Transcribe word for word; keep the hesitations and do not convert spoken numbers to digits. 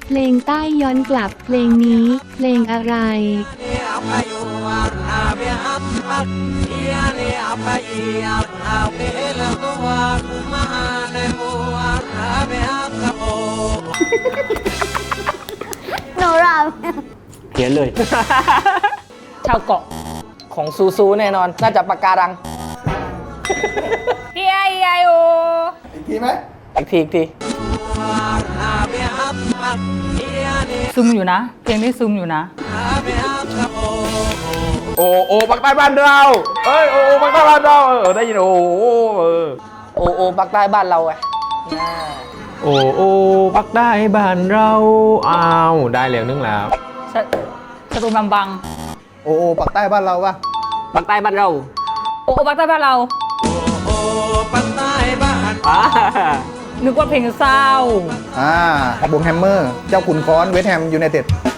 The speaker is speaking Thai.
เพลงใต้ย้อนกลับเพลงนี้เพลงอะไรโนราเขียนเลยชาวเกาะของซูซูแน่นอน น่าจะปากการังเฮียเฮียโออีกทีไหมอีกทีอีกทีซึมอยู่นะเพลงนี้ซึมอยู่นะโอโอปักใต้บ้านเราเอ้ยโอโอปักใต้บ้านเราเออได้ยินโอโอเออโอโอปากใต้บ้านเราไงโอโอปักใต้บ้านเราอ้าวได้เรียงนึงแล้วชะชะตุบังบังโอโอปักใต้บ้านเราปะปากใต้บ้านเราโอ้โอ้ปักใต้บ้านเราอ่านึกว่าเพลงเศร้าอ่าบงแฮมเมอร์ เจ้าขุนค้อนเวสต์แฮมยูไนเต็ด